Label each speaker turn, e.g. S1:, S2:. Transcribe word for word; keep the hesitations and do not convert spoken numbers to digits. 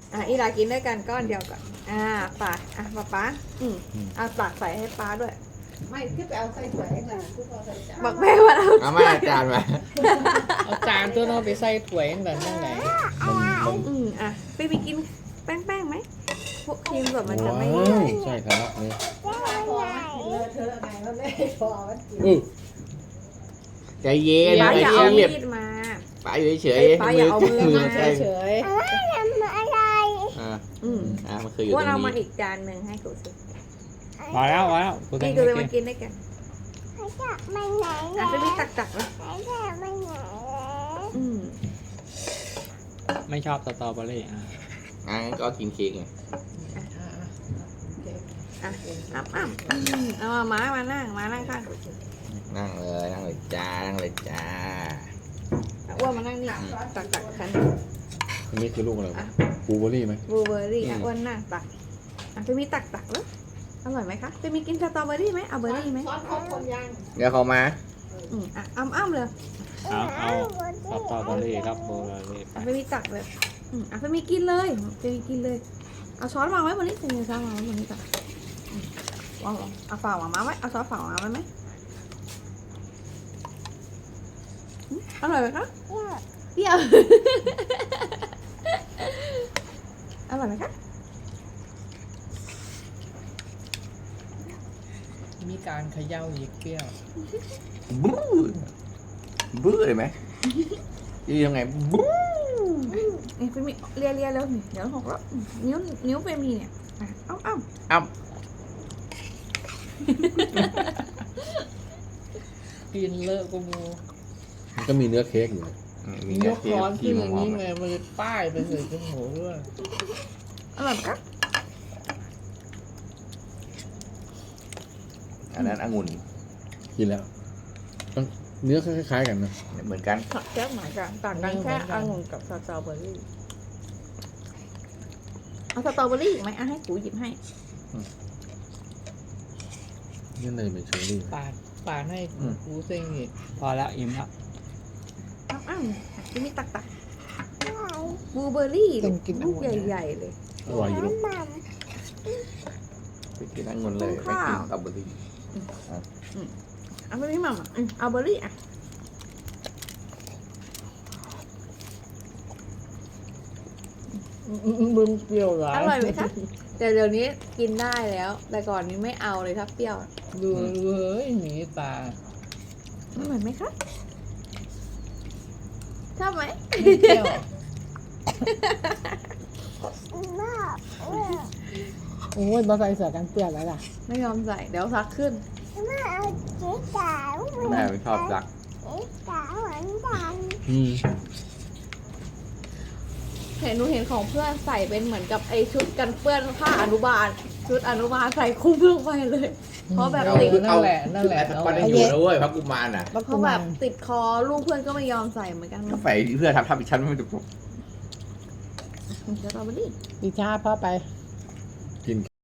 S1: อ่ะอีลากินด้วยกันก้อนเดียวก่อนอ่าปากอ่ะป๊าป๊าอืมเอาปากใส่ให้ป๊าด้วย
S2: ไม่ที่ไปเอาใส่ถ้วยเองนะที่พอใส่จาน
S1: บอกแม่ว่าเรา
S3: เอามาจานมา
S4: เอาจานตัวน้องไปใส่ถ้วยนั่นแหละนั่นไหน
S1: อืมอ่ะไปไปกินแป้งแป้งไหมพวกครีมสดมันจะไม่
S3: ว้าวใช่ครับนี่
S2: พอมันกินเลอะเทอะไงมันไม่พอมันกิน
S3: อือใจเย็น
S1: ป๊า
S3: ใจ
S1: อย่าเอา
S3: เย็น
S1: มีดมา
S3: ป้าอยู่เฉย
S1: เอ้ยป้าอย่าเอามือมา
S3: ใช่
S2: เฉย
S3: อ่า
S1: อืม
S3: อ่ามันคืออยู่ตร
S1: ว่าง เอามา
S3: นี้
S1: อีกจานหนึ่งให้กูสิ
S4: พอแล้วพอแล้วกูแต
S1: นี่
S4: ง
S1: กู
S4: ไม่
S1: จะมา
S4: กิน
S1: กินด้วยกันอ่ะไปมีตักตักๆเลยอืม
S4: ไม่ชอบสตรอเบอรี่อ่ะ
S3: อ่างั้นก็กินเค้กไง
S1: อ่ะอ้ำอ้ำอืมเอามาม้ามานั่งมานั่งข้างกูสิ
S3: นั่งเลยนั่งเลยจ้านั่งเลยจ้า
S1: อ่ะอ้วนมานั่งนี่ตักตักๆกัน
S5: อันนี้คือลูกอะไรวะบลูเบอร์รี่ไหม
S1: บลูเบอร์รี่อ่ะอ้วนนั่งตักอ่ะไปมีตักตักๆแล้วอร่อยไหมคะไปมีกินสตรอเบอร์รี่ไหมเอาเบอร์รี่ไหม
S2: ช้อนครบคนยัง
S3: เดี๋ยวเขามา
S1: อืมอ่ะอ้ำอ้ำเลย
S4: เอาเอาสตรอเบอรี่ครับโบราณเลยไป
S1: อ่ะไปมีตักเลยอืมอ่ะไปมีกินเลยไปมีกินเลยเอาช้อนวางไว้บนนี้เซนช้อนวางไว้บนนี้ก่อนอืมวางลงเอาฝ่าวางมาไว้เอาช้อนฝ่าวางไว้ไหมอืมอร่อยไหมคะเปรี้ยว อร่อยไหมคะ
S4: มีการเขย่าอีกเปรี้ยว
S3: บู๊บู๊เลยไหมยี่ยังไงบู๊
S1: นี่เฟมีเลียเลียแล้วนี่เดี๋ยวหกแล้วอืมนิ้วนิ้วเฟมีเนี่ยอ่ะเอ้าเอ้า
S3: อ้ำ
S4: กินเลอะกูมู
S5: มันก็มีเนื้อเค้กอยู่นะ
S3: อืมมี
S4: ย
S3: เนื้อก เค้ก
S4: ร้อน
S3: ครี
S4: ขึ้น
S3: ม
S4: อย่าง
S3: หอ
S4: นี้
S3: ม
S4: ไงมันเลยป้ายไปใส่จมูกด้วย
S1: อร่อยไหมคะ
S3: อันนั้นองุ่น
S5: กินแล้วต้องเนื้อคล้ายๆกันนะ
S3: เหมือนกัน
S1: ผักแก้วหมายกันต่างกันแค่องุ่นกับสตรอเบอรี่เอาสตรอเบอรี่อีกไหมอ่ะให้กูหยิบให้
S5: นี่เลยเป็นเชอร์รี่ไหม
S4: ปาดปาดให้กูเซ็งอีกพอแล้วอิ่มแล้ว
S1: เอ้าเอ้าอ่ะที่มีตักตักบลูเบอร์รี่
S4: ต้องกิน
S1: ลูก
S4: องุ่นนะ
S1: ใหญ่ๆเลย
S5: อร่อยอยู่ลูก
S3: ไปกินองุ่นเลยไม่กินสตรอเบอรี่
S1: เอาไปพี่หม่ำอ่ะอืมเอาเบอร์รี่อ่ะ
S4: มึงเปรี้ยวหรอ
S1: อร่อยไหมคะแต่เดี๋ยวนี้กินได้แล้ว แต่ก่อนนี้ไม่เอาเลยถ้าเปรี้ยว
S4: ดูเฮ้ยหนีตา
S1: อร่อยไหมคะชอบไหม
S4: ไม่เปรี้ยว โอ้ยมาใส่เสื้อกันเปื้อนแล้วล่ะ
S1: ไม่ยอมใส่เดี๋ยวซักขึ้น
S3: แม่ไม่ชอบรัก
S5: อืม
S1: เห็นหนูเห็นของเพื่อนใส่เป็นเหมือนกับไอชุดกันเปื้อนผ้าอนุบาล ชุดอนุบาลใส่คลุ้มลงไปเลย เพราะแบบ
S4: เอา
S1: ติด
S4: นั่นแหละนั่นแหละ
S3: แต่
S4: เอา
S3: ปัน
S4: ไว้
S3: ยังอยู่นะเว้ยพระกุมารน่ะ
S1: เพราะแบบติดคอลูกเพื่อนก็ไม่ยอมใส่เหมือนกัน
S3: ก็ใส่เพื่อทำทำอีกชั้นไม่จบ
S1: สตรอเบอรี่
S4: ดิชาพ่อไป
S5: กิน